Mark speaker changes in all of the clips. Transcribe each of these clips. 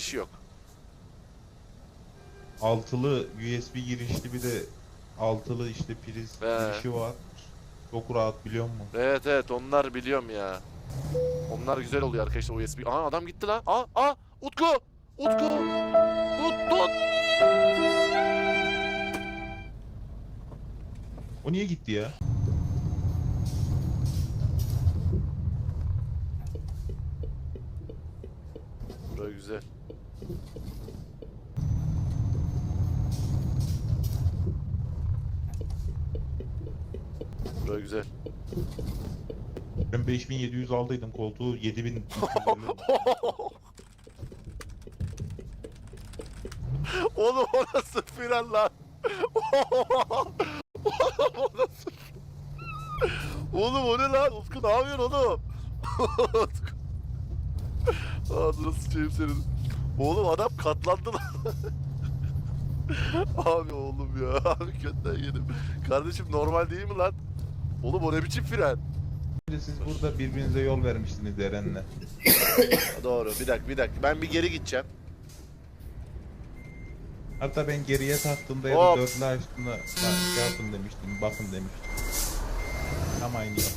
Speaker 1: girişi yok.
Speaker 2: Altılı USB girişli bir de altılı işte priz girişi var. Çok rahat biliyor musun?
Speaker 1: Evet evet, onlar biliyorum ya. Onlar güzel oluyor arkadaşlar, USB. Aha adam gitti lan. Utku. Utku. Tut.
Speaker 2: O niye gitti ya?
Speaker 1: Bura güzel. Bura güzel.
Speaker 2: Ben 5700 aldıydım koltuğu 7000.
Speaker 1: Oğlum o nasıl fren lan? O nasıl? Oğlum o ne lan? Utku ne yapıyorsun oğlum? Utku. Ağzına sıçayım senin. Oğlum adam katlandı lan. Abi oğlum ya. Abi kötüden yedim. Kardeşim normal değil mi lan? Oğlum o ne biçim fren?
Speaker 2: Siz burada birbirinize yol vermiştiniz Eren'le.
Speaker 1: Doğru, bir dakika. Ben bir geri gideceğim.
Speaker 2: Hatta ben geriye taktığımda ya
Speaker 1: Hop.
Speaker 2: da dörtlü açtığımda lan şey yapın demiştim, bakın demiştim. Tam aynı yol.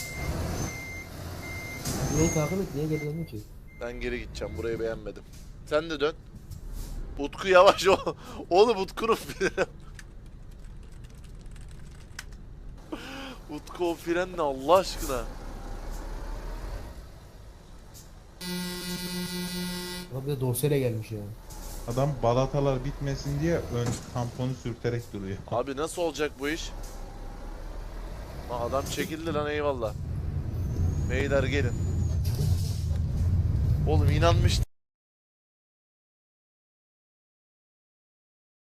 Speaker 3: Niye takip et? Niye geri döndün ki?
Speaker 1: Ben geri gideceğim. Burayı beğenmedim. Sen de dön. Utku yavaş o. Oğlum Utku'nun freni. Utku o fren ne Allah aşkına?
Speaker 3: Abi de dorseyle gelmiş ya.
Speaker 2: Adam balatalar bitmesin diye ön tamponu sürterek duruyor.
Speaker 1: Abi nasıl olacak bu iş? Adam çekildi lan, eyvallah. Beyler gelin. Oğlum inanmıştım.